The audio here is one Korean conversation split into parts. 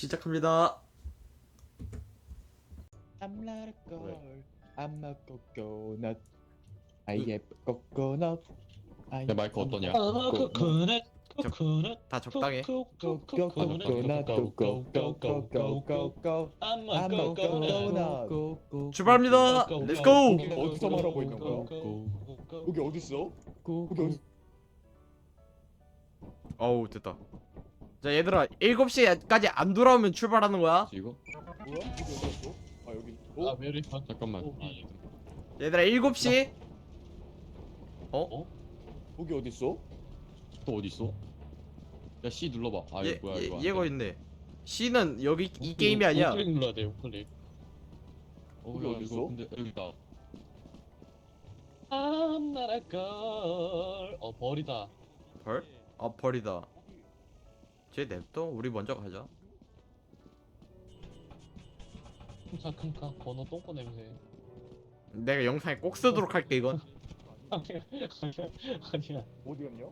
시작합니다. I'm not a girl. I'm a coconut. I am coconut. 내 마이크 어떠냐? 코코넛 저- 코코넛 다 적당해. Coconut, coconut, go, go, go, go, go, go, go. I'm I'm a a coconut coconut. 출발합니다. Let's go. 여기 어디서 말하고 있는 거야? 여기 어디 있어? 여기 어디? 어우 됐다. 자 얘들아 7시까지 안 돌아오면 출발하는 거야. 이거? 뭐야? 여기 어디 있어? 아 여기. 아 어? 메리 반 잠깐만. 얘들아 7시. 여기 어디 있어? 또 어디 있어? 야 C 눌러봐. 아 이거 뭐야 이거? 안 얘가 돼. 있네. C는 여기 이 게임이 아니야. 우클릭 눌러야 돼 우클릭. 여기 야, 어디 있어? 이거 근데 여기다. I'm not a girl. 벌이다. 벌? 아 벌이다. 쟤 냅둬. 우리 먼저 가자. 큼카 번호 똥꼬 냄새. 내가 영상에 꼭 쓰도록 할게 이건. 아니야. 어디 갔냐?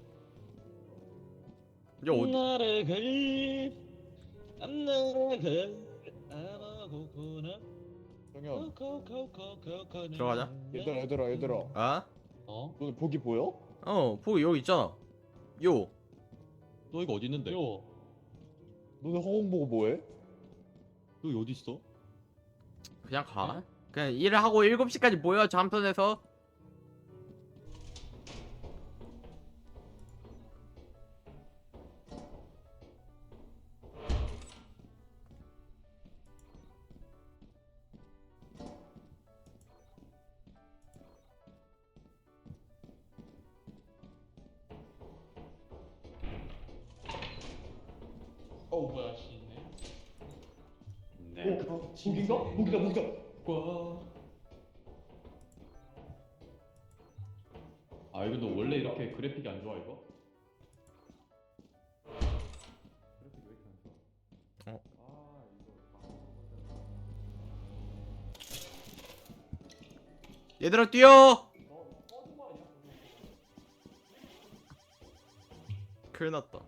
이제 어디? Not a girl. I'm not a girl. I'm a coconut. 정현. 코코코코코넛. 들어가자. 얘들아. 아? 어? 너네 보기 보여? 보기 여기 있잖아. 요. 너 이거 어디 있는데? 요. 너네 허공 보고 뭐해? 여기 어디 있어? 그냥 가. 그냥 일을 하고 7시까지 모여 잠선에서. 뭐야 씨 있네. 네. 보기인가? 보기다. 아 이거 너 원래 이렇게 그래픽이 안 좋아 이거? 그래픽이 왜 이렇게 안 좋아? 어. 아 이거. 얘들아 뛰어. 큰일 났다.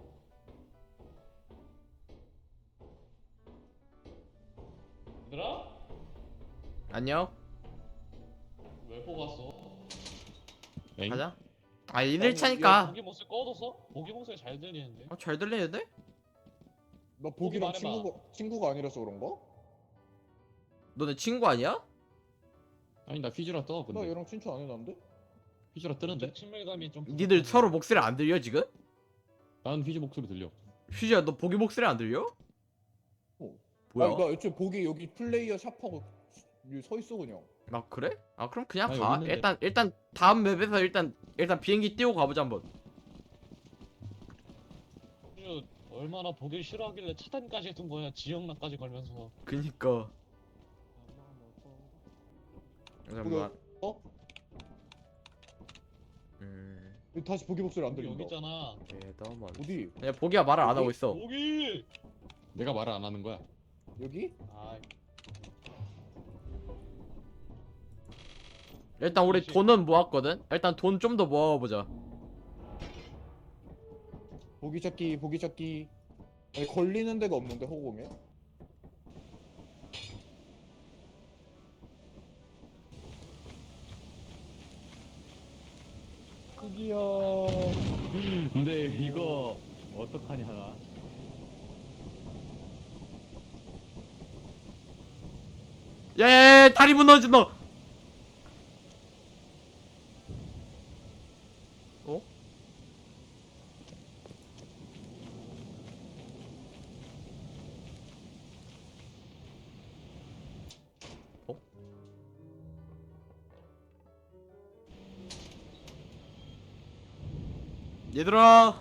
얘들아? 안녕. 왜 뽑았어? 엥? 가자. 아 1일차니까. 보기 목소리 꺼뒀어? 보기 목소리 잘 들리는데? 잘 들리는데? 나 보기랑 말해봐. 친구가 아니라서 그런가? 너네 친구 아니야? 아니 나 휘즈라 떠 나 근데. 얘랑 친추 안 해놨는데? 휘즈라 뜨는데? 친밀감이 좀 니들 부족하네. 서로 목소리 안 들려 지금? 난 휘즈 목소리 들려. 휘지야 너 보기 목소리 안 들려? 뭐야? 아니, 나 애초에 보기 여기 플레이어 샵하고 여기 서 있어 그냥. 아 그래? 아 그럼 그냥 아니, 가. 여기 있는데. 일단 다음 맵에서 일단 비행기 띄우고 가보자 한번. 그 얼마나 보기 싫어하길래 차단까지 해둔 거야 지역락까지 걸면서. 그니까. 잠깐만. 어? 음. 여기 다시 보기 목소리 안 여기 들린다. 있잖아. 대담한. 어디? 그냥 보기가 말을 안 하고 있어. 보기. 내가 말을 안 하는 거야. 여기? 아 일단 우리 돈은 모았거든. 일단 돈 좀 더 모아보자. 보기 찾기. 아니, 걸리는 데가 없는데 허공에? 크기야. 근데 이거 어떡하냐 나. 예, 다리 무너진다. 어? 어? 얘들아.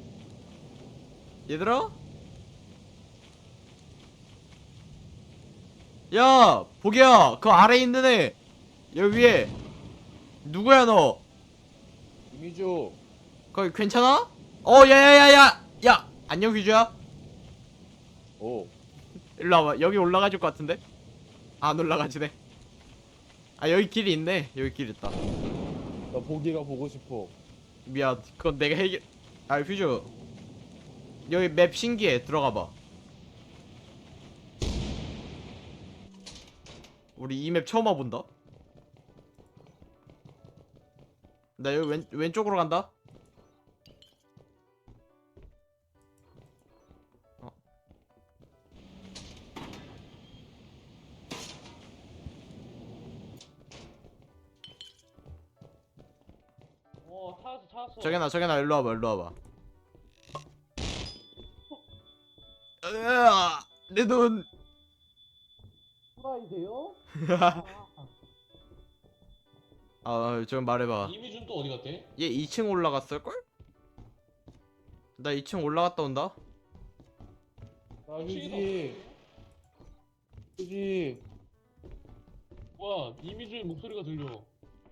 야, 보기야, 그 아래 있는 애, 여기 위에 누구야 너? 이미주. 거기 괜찮아? 야, 안녕 휘주야. 어. 일로 와봐. 여기 올라가줄 것 같은데? 안 올라가지네. 아 여기 길이 있네. 여기 길 있다. 나 보기가 보고 싶어. 미안. 그건 내가 해결. 아 휘주. 여기 맵 신기해. 들어가봐. 우리 이 맵 처음 와본다. 나 여기 왼쪽으로 간다. 찾았어. 저기나 일로 와봐. 으아, 내 눈. 프라이데요? 좀 말해봐. 이미준 또 어디 갔대? 얘 2층 올라갔을걸? 나 2층 올라갔다 온다. 아 휴지. 와, 이미준의 목소리가 들려.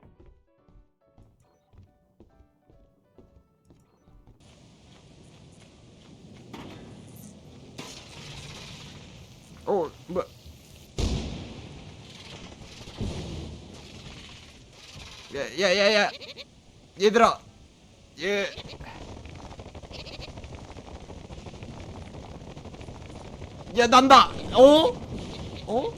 뭐야? 야, 얘들아, 야 난다. 어?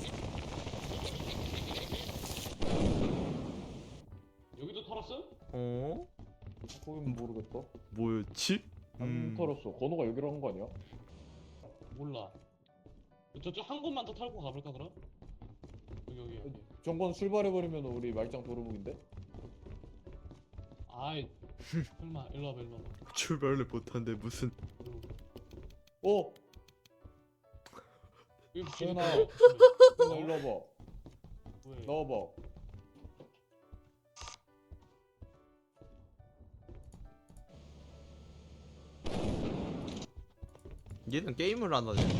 여기도 털었어? 거긴 모르겠다. 뭐였지? 안 털었어. 건호가 여기로 한 거 아니야? 몰라. 저쪽 한 곳만 더 털고 가볼까 그럼? 여기. 정권 출발해버리면 우리 말짱 도루묵인데? 아이, 설마 일로 와봐. 출발을 못한데 무슨? 어! 여기 재현아. 왜? 너 일로 와봐. 왜? 나와봐. 얘는 게임을 안 하네.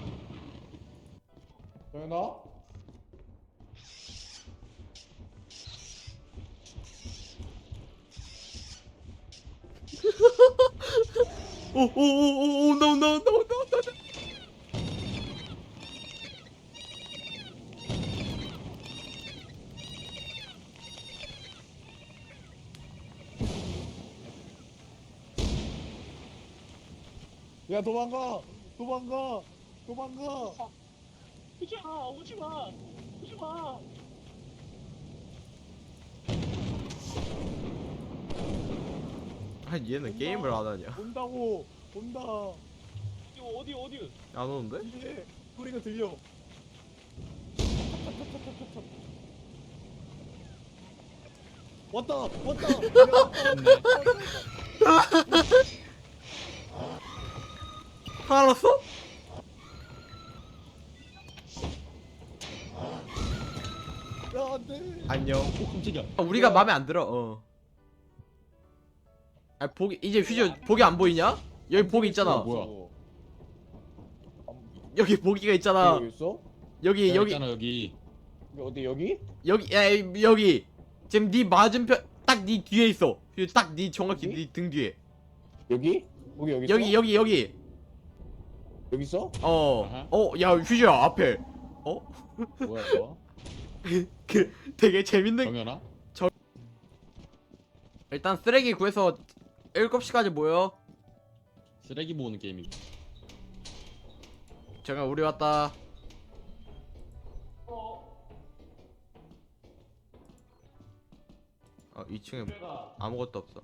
재현아? 오, 나온다. 야 도망가! 오지마. 얘는 게임을 안 하냐? 온다고! 온다! 어디? 안 오는데? 이게 소리가 들려. 왔다! 알았어? 야 안돼! 안녕. 오 깜짝이야. 우리가 마음에 안 들어. 이제 퓨즈 보기 안 보이냐? 여기 보기 있잖아. 뭐야? 여기 보기가 있잖아. 여기 있어? 여기 있잖아 여기. 어디 여기? 여기 지금 네 맞은편 딱 네 뒤에 있어. 딱 네 정확히 여기? 네 등 뒤에. 여기 있어? 여기. 여기 있어? 아하. 야 퓨즈야 앞에. 뭐야 너? 되게 재밌는. 정연아? 일단 쓰레기 구해서 7시까지 모여. 쓰레기 모으는 게임이. 잠깐 우리 왔다. 2층에 아무것도 없어.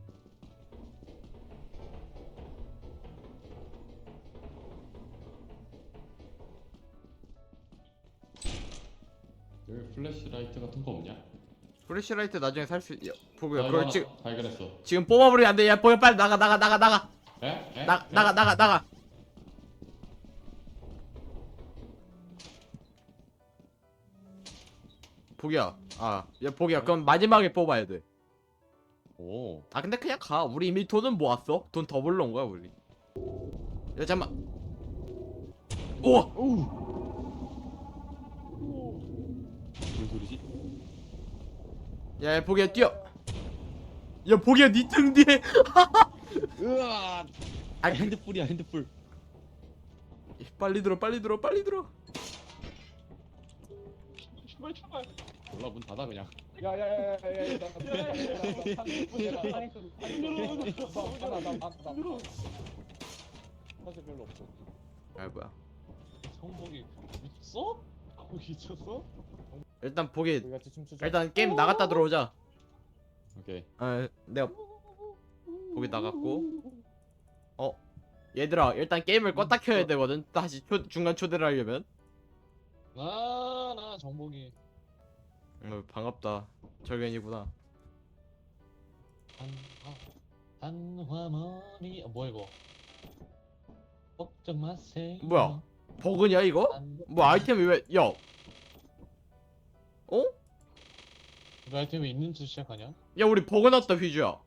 여기 플래시라이트 같은 거 없냐? 플래시라이트 나중에 살 수. 보고요. 나 그걸 이거 지금 하나 발견했어. 뽑아버리면 안 돼. 야 보여 빨리 나가. 에? 나가. 보기야. 야 보기야. 그럼 마지막에 뽑아야 돼. 오. 근데 그냥 가. 우리 이미 돈은 모았어. 돈 더 벌러 온 거야 우리. 야 잠만. 우와. 무슨 소리지? 야 보기야 뛰어. 야 보기야 니 등 뒤에. 으아. 핸드풀이야 핸드풀. 빨리 들어. 출발. 몰라 문 닫아 그냥. 야야야야야 사실 별로 없어. 뭐야. 성복이 미쳤어? 거기 있었어? 일단 보기 우리 같이 춤추자. 일단 게임 나갔다 들어오자. 오케이. 내가 보기 나갔고. 얘들아 일단 게임을 껐다 켜야 되거든. 다시 중간 초대를 하려면. 나 정복이. 반갑다. 절견이구나. 한화머리 뭐야 이거? 걱정 마세요. 뭐야? 버그냐 이거? 뭐 아이템이 왜? 야. 어? 이거 아이템이 있는 줄 시작하냐? 야 우리 버그 났다 휘주야.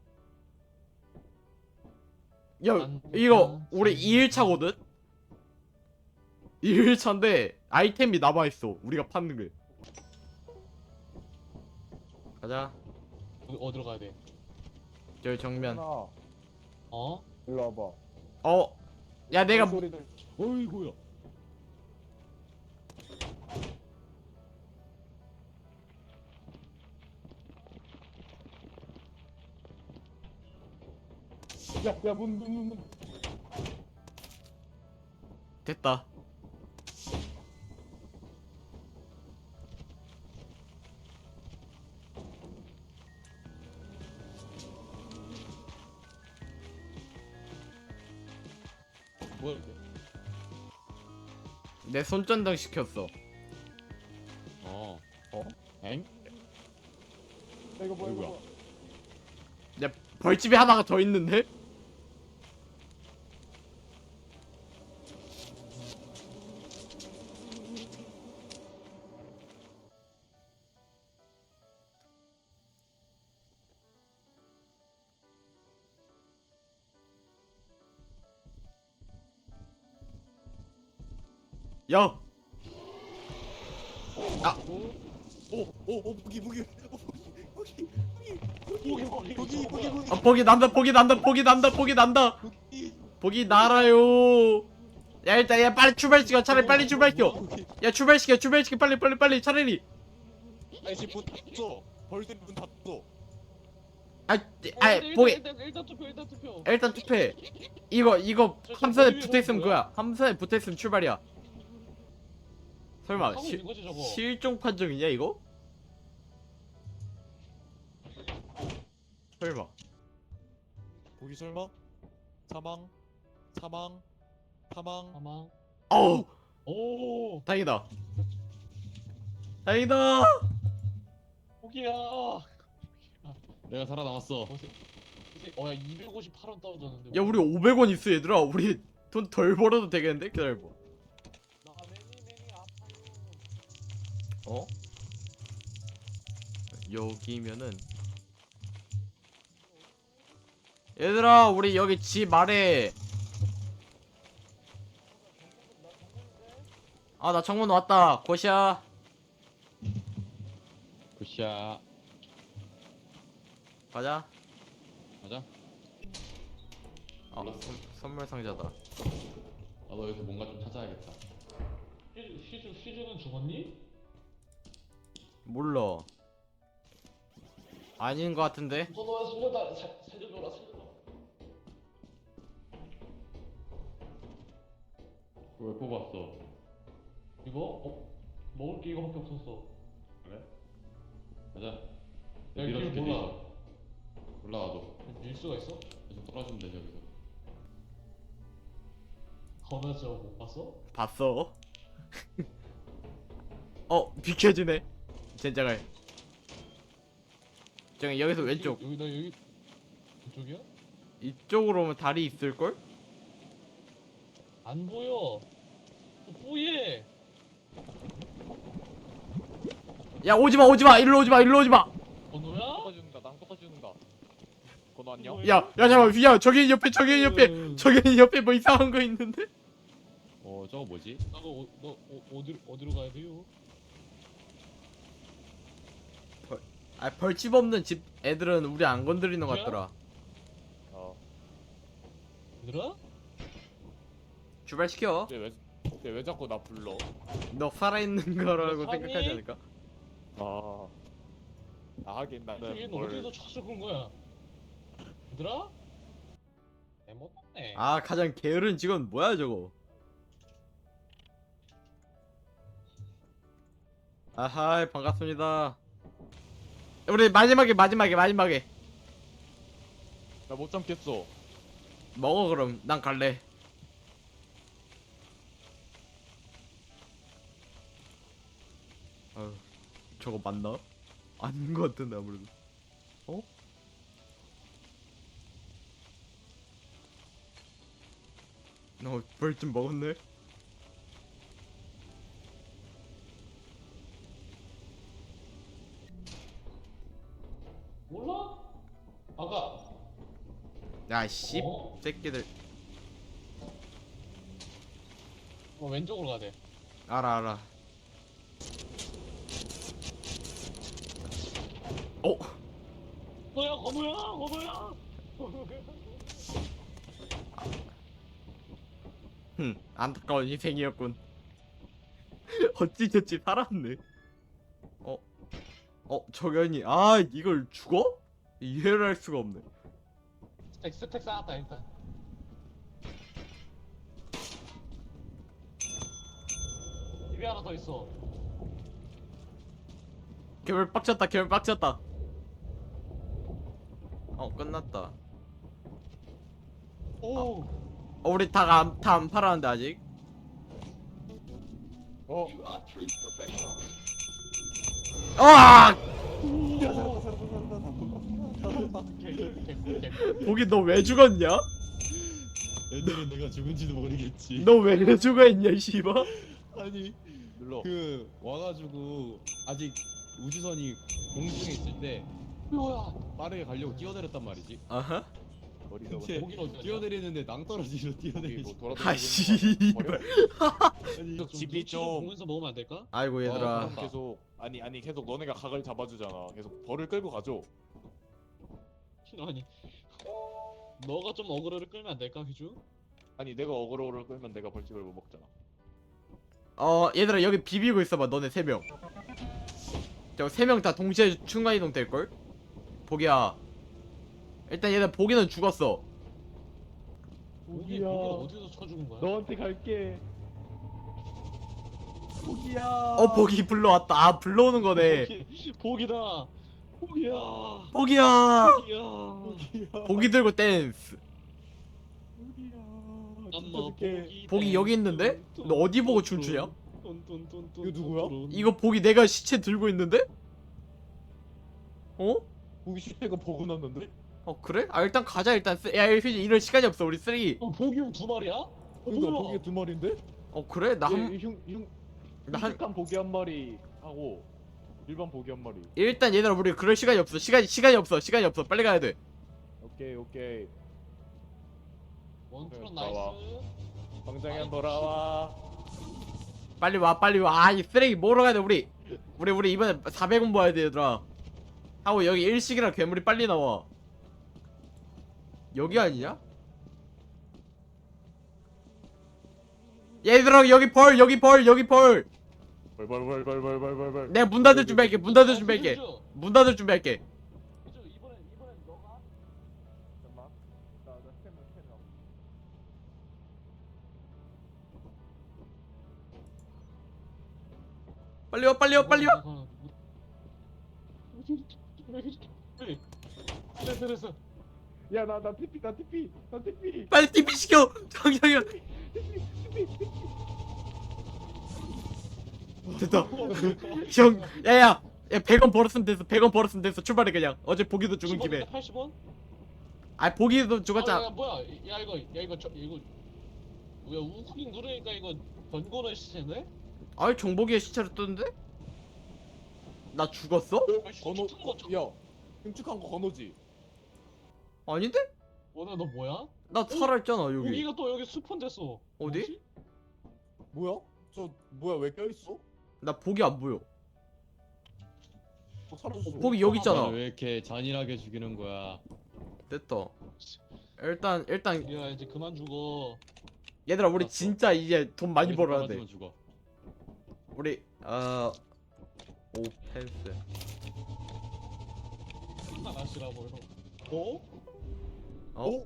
야 이거 우리 2일차거든? 2일차인데 아이템이 남아있어 우리가 파는 게. 가자. 어디로 가야 돼? 저기 정면. 하나, 어? 일로 와봐. 야 내가 소리들. 어이구야. 야, 문. 됐다. 뭐야 이게? 내 손전등 시켰어. 어. 어? 엥? 야, 이거 뭐야? 어이구야. 야 벌집이 하나가 더 있는데? 야! 무기. 보기 난다. 보기 날아요. 야 일단 야 빨리 출발시켜. 차라리 빨리 출발시켜. 야 출발시켜 빨리 차라리. 아이씨 문 닫어. 벌써 문 닫어. 보기 일단 투표 일단 투표해. 이거 저 함선에 머리 위에 붙어있으면 건 그거야. 함선에 붙어있으면 출발이야. 설마 하고 있는 거지 저거. 실종 판정이냐 이거? 설마. 보기 설마? 사망. 아마. 어우 오 다행이다. 포기야. 내가 살아남았어. 어야 258원 떨어졌는데. 야 우리 500원 있어 얘들아. 우리 돈 덜 벌어도 되겠는데? 기다려봐. 나 매니 아파요. 어? 여기면은 얘들아 우리 여기 집 아래. 아 나 정문 왔다. 고시야. 굿샷. 가자. 가자. 선물 상자다. 나도 여기서 뭔가 좀 찾아야겠다. 시즈는 죽었니? 몰라. 아닌 것 같은데? 너야 살려줘라. 왜 뽑았어? 이거? 먹을 게 이거밖에 없었어. 그래? 가자. 야, 밀어줄게, 길 몰라. 뒤에서. 올라와도. 밀 수가 있어? 계속 떨어지면 되지 여기서. 거나 저거 못 봤어? 봤어? 비켜주네. 젠장을. 저기 여기서 왼쪽. 여기 이쪽이야? 이쪽으로 오면 다리 있을걸? 안 보여. 뿌예. 야 오지마 일로 오지마. 건호야? 나 닦아주는다. 건너 안녕? 야 잠깐만 휘야 저기 옆에 뭐 이상한 거 있는데? 저거 뭐지? 너 어디로 가야 돼요? 벌집 없는 집 애들은 우리 안 건드리는 것 같더라. 얘들아? 출발시켜. 왜 자꾸 나 불러? 너 살아있는 거라고 사니? 생각하지 않을까? 하긴 나는 얘는 뭘 어디서 찾아온 거야? 얘들아? 애먹었네. 아 가장 게으른 직원 뭐야 저거? 아하 반갑습니다. 우리 마지막에 나 못 참겠어. 먹어. 그럼 난 갈래. 저거 맞나? 아닌 것 같은데 아무래도. 어? 벌 좀 먹었네. 몰라? 아가. 야 씨, 어? 새끼들. 왼쪽으로 가야 돼. 알아. 어? 너야 건우야. 안타까운 인생이었군. 어찌저찌 살았네. 저견이 이걸 죽어? 이해를 할 수가 없네. 스택 쌓았다 일단. 입에 하나 더 있어. 괴물 빡쳤다. 끝났다. 오. 우리 다 안 팔았는데 아직. 어. 아! 개꿀. 보기 너 왜 죽었냐? 애들은 내가 죽은지도 모르겠지. 너 왜 죽어있냐 씨발. 아니 눌러. 그 와가지고 아직 우주선이 공중에 있을 때 뭐야? 빠르게 가려고 뛰어내렸단 말이지. 아하. 어디서 근데 고기를 어디 갔냐? 뛰어내리는데 낭떠러지로 여기 뛰어내리지. 뭐 아 씨발. 아니 좀 집이 눈치 좀 좀- 보면서 먹으면 안 될까? 아이고 얘들아. 그럼 계속 아니 계속 너네가 각을 잡아주잖아. 계속 벌을 끌고 가죠. 아니. 너가 좀 어그로를 끌면 안 될까, 휘주? 아니 내가 어그로를 끌면 내가 벌집을 못 먹잖아. 얘들아 여기 비비고 있어봐. 너네 3명. 저 3명 다 동시에 순간이동 될걸? 보기야. 일단 얘들 보기는 죽었어. 고기를 어디서 쳐 죽은 거야? 너한테 갈게. 보기 불러왔다. 불러오는 거네. 보기다. 보기야. 보기야. 보기야. 보기 들고 댄스. 엄마 보기 여기 있는데? 너 어디 보고 춤추냐? 이거 누구야? 이거 보기 내가 시체 들고 있는데? 보기 시체가 보고 났는데? 그래? 일단 가자. 일단 야 휴지 이럴 시간이 없어. 우리 쓰레기. 보기 두 마리야? 그러니까 보기 두 마리인데? 그래? 나 한 흉측한 보기 한 마리 하고 일반 보기 한 마리. 일단 얘들아 우리 그럴 시간이 없어. 시간이 없어. 빨리 가야 돼. 오케이. 원투런 나와. 나이스. 광장에 돌아와. 빨리 와. 이 쓰레기 모으러 가야 돼. 우리 이번에 400원 모아야 돼 얘들아. 하고 여기 일식이랑 괴물이 빨리 나와. 여기 아니냐? 얘들아 여기 벌. 벌. 내가 문 닫을 준비할게. 문 닫을 준비할게. 휘주 이번엔 너가 잠깐만. 나 스캔. 빨리 와. 됐어. 야나 TP. 빨리 TP 시켜. 당장이야. 됐다. 형, 야 100원 벌었으면 됐어. 출발해 그냥. 어제 보기도 죽은 김에. 80원? 보기도 죽었잖아. 야, 뭐야? 이거 뭐야? 우클릭 누르니까 이거 번거는 시체네? 정보기에 시체를 뜨는데? 나 죽었어? 건호. 야 흉측한 거 건호지. 아닌데? 원아 너 뭐야? 나 살아있잖아 여기. 여기가 또 여기 스폰 됐어. 어디? 뭐야? 저 뭐야 왜 껴있어? 나 보기 안 보여. 사라졌어. 보기 여기 있잖아. 나를 왜 이렇게 잔인하게 죽이는 거야? 됐다. 일단 야 이제 그만 죽어. 얘들아 우리 알았어. 진짜 이제 돈 많이 여기서 벌어야 돼. 떨어지면 죽어. 우리 오펜스. 하나씩라고 해서. 어?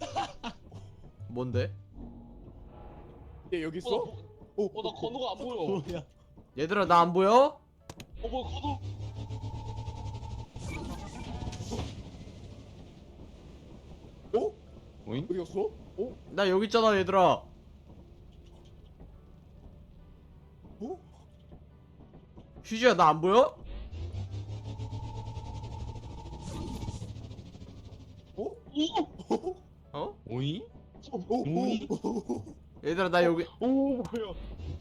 뭔데? 얘 여기 있어? 나 건우가 안 보여. 뭐야? 얘들아 나 안 보여? 뭐 거도. 오잉? 어디 갔어? 나 여기 있잖아 얘들아. 휴지야 나 안 보여? 어? 오잉? 얘들아 나 여기. 오 뭐야?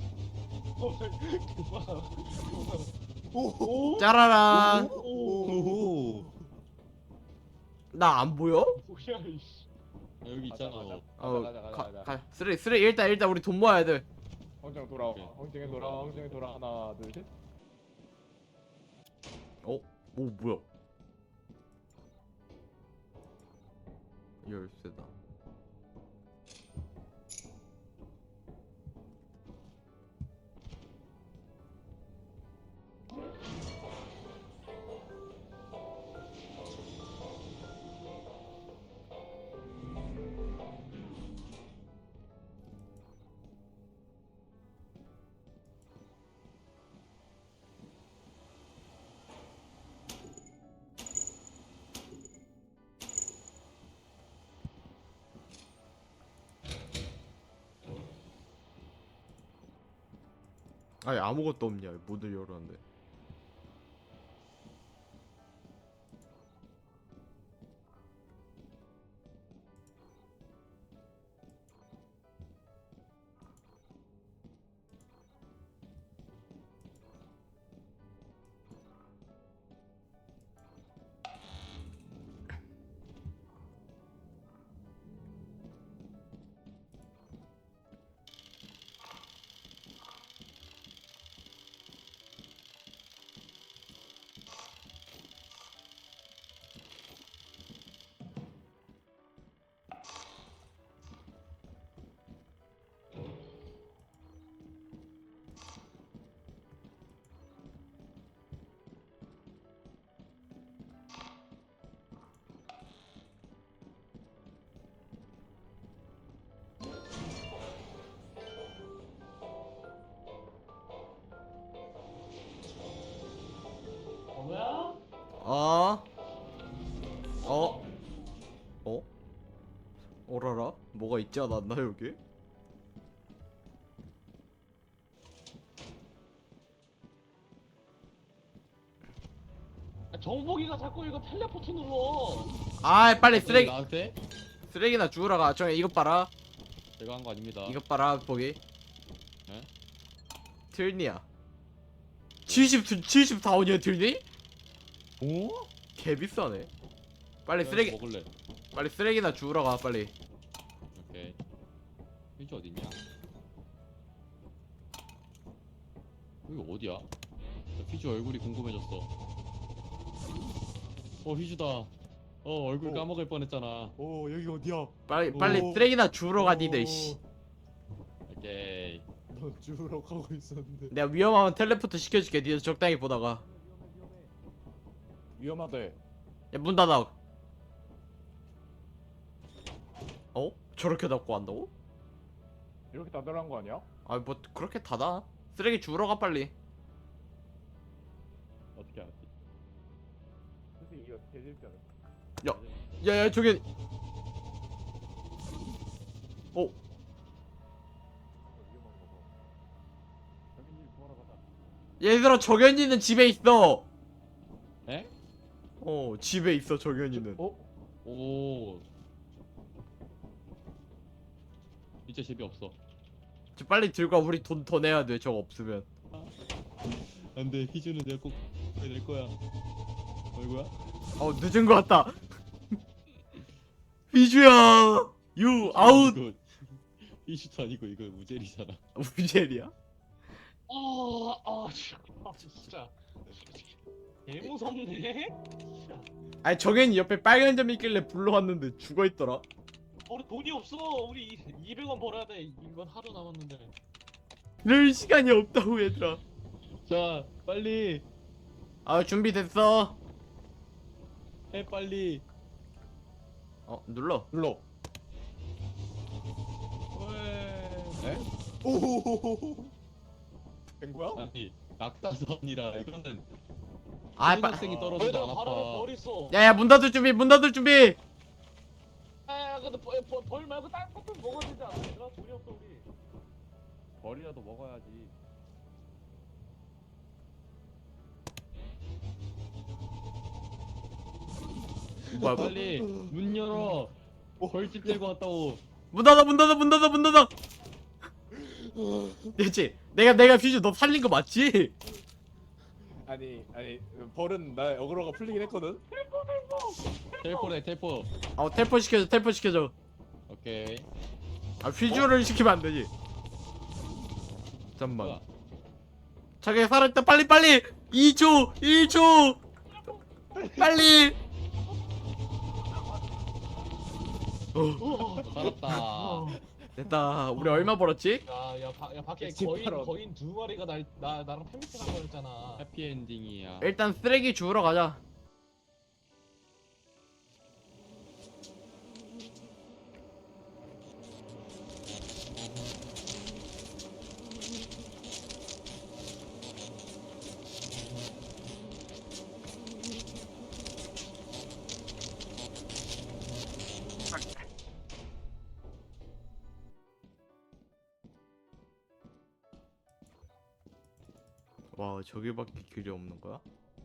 그만. 짜라란. 오호. 나 안 보여? 뭐야 이씨. 아, 여기 있잖아. 가자. 쓰레기 일단 우리 돈 모아야 돼. 황정 돌아와. 오케이. 황정에 돌아. 황정에 돌아. 하나 둘 셋. 오 뭐야? 열쇠다. 아니 아무것도 없냐? 문을 열었는데. 뭐야? 어? 어? 어? 어라라? 뭐가 있지 않았나 여기? 정복이가 자꾸 이거 텔레포트 눌러. 아 빨리 쓰레기 나한테? 쓰레기나 주우러 가. 저 이것 봐라. 제가 한 거 아닙니다. 이것 봐라 보기. 네? 틀니야. 74원이야 틀니? 오? 개 비싸네. 빨리 쓰레기 먹을래. 빨리 쓰레기나 주우러 가 빨리. 오케이. 휴지 어딨냐? 여기 어디야? 나 휴지 얼굴이 궁금해졌어. 휴지다. 얼굴 까먹을 뻔했잖아. 여기 어디야? 빨리 오. 쓰레기나 주우러 가 니들 씨. 오케이. 너 주우러 가고 있었는데. 내가 위험하면 텔레포트 시켜줄게. 니들 적당히 보다가. 위험하대. 야 문 닫아. 어? 저렇게 닫고 간다고? 이렇게 다들한 거 아니야? 아 뭐 그렇게 닫아. 쓰레기 주우러 가 빨리. 어떻게 알았지? 근데 이거 개질잖아. 야야 저기. 어? 위험한 거 봐. 정인님 구하러 가자. 얘들아 정현이는 집에 있어. 에? 집에 있어 정현이는. 오. 진짜 재미없어. 저 빨리 들고 와. 우리 돈 더 내야 돼. 저거 없으면. 안돼. 희주는 내가 꼭 낼 거야. 얼굴야? 늦은 거 같다. 비주야. 유 아웃. 이거 희주도 아니고 이거 우젤이잖아. 우젤이야? 진짜. 개 무섭네. 아니 정현이 옆에 빨간 점이 있길래 불러왔는데 죽어 있더라. 우리 돈이 없어. 우리 200원 벌어야 돼. 이번 하루 남았는데. 이럴 시간이 없다고 얘들아. 자, 빨리 준비됐어. 해 빨리. 눌러. 에? 오호호호호. 된 거야? 아니 낙타선이라 이거는 아, 초등학생이 떨어져도 얘들아 안 바로 아파. 벌 있어. 야야 문 닫을 준비, 문 닫을 준비. 아 근데 벌 말고 다른 것도 먹어야 되지 않아? 얘들아 돈이 없어 우리. 벌이라도 먹어야지. 뭐야, 빨리 문 열어. 벌집 들고 왔다고. 문 닫아, 문 닫아, 문 닫아, 문 닫아. 됐지? 내가 퓨즈 너 살린 거 맞지? 아니 벌은 나 어그로가 풀리긴 했거든. 텔포래 텔포. 텔포 시켜줘, 텔포 시켜줘. 오케이. 아 퓨즈를 시키면 안 되지. 잠만. 뭐야? 자기 살아있다. 빨리 빨리. 2초, 1초. 빨리. 살았다. 됐다. 우리 얼마 벌었지? 야 밖에 집처럼. 거인 두 마리가 나랑 팬미팅 한 거였잖아. 해피엔딩이야. 일단 쓰레기 주우러 가자. 와, 저기밖에 길이 없는 거야?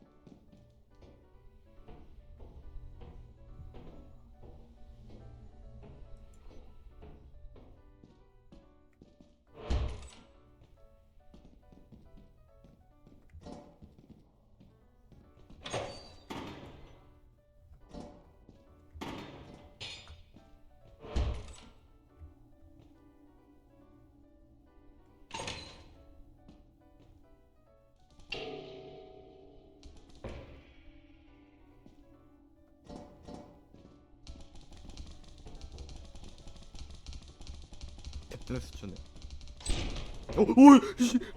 탭댄스 추네. 오이 씨.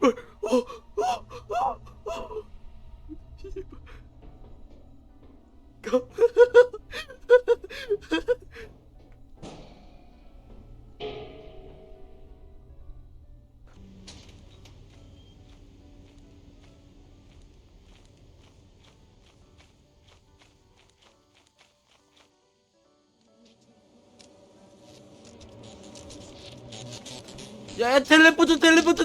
야, 텔레포트.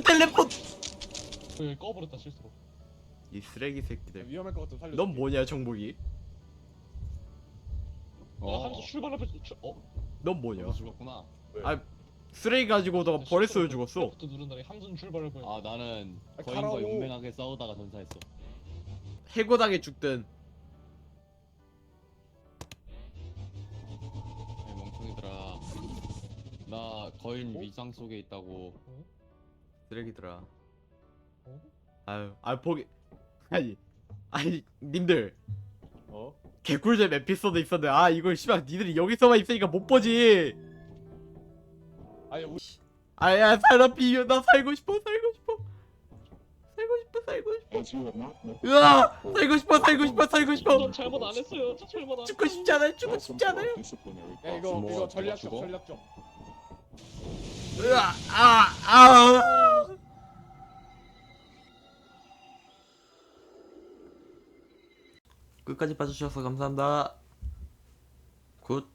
꺼버렸다 실수로. 이 쓰레기 새끼들. 위험할 것 같아 살려. 넌 뭐냐, 정복이? 한수 출발 앞에 넌 뭐냐? 너 죽었구나. 아, 쓰레기 가지고 너가 버렸어요, 죽었어. 부터 누른다니 함순 출발을 보여. 아 나는 아, 거인과 가라고. 용맹하게 싸우다가 전사했어. 해고당해 죽든. 야, 멍청이들아. 나 거인 위장 속에 있다고. 쓰레기들아. 어? 아유, 보기. 아니, 님들. 어? 개꿀잼 에피소드 있었는데, 아, 이걸 씨발 니들이 여기서만 있으니까 못 보지. 아니 우리 아야, 살아 비벼. 나 살고 싶어. 으아! 살고 싶어. 전 잘못 안 했어요. 저 잘못 안. 죽고 싶지 않아요. 야 이거 전략적. 으아! 끝까지 봐주셔서 감사합니다. 굿.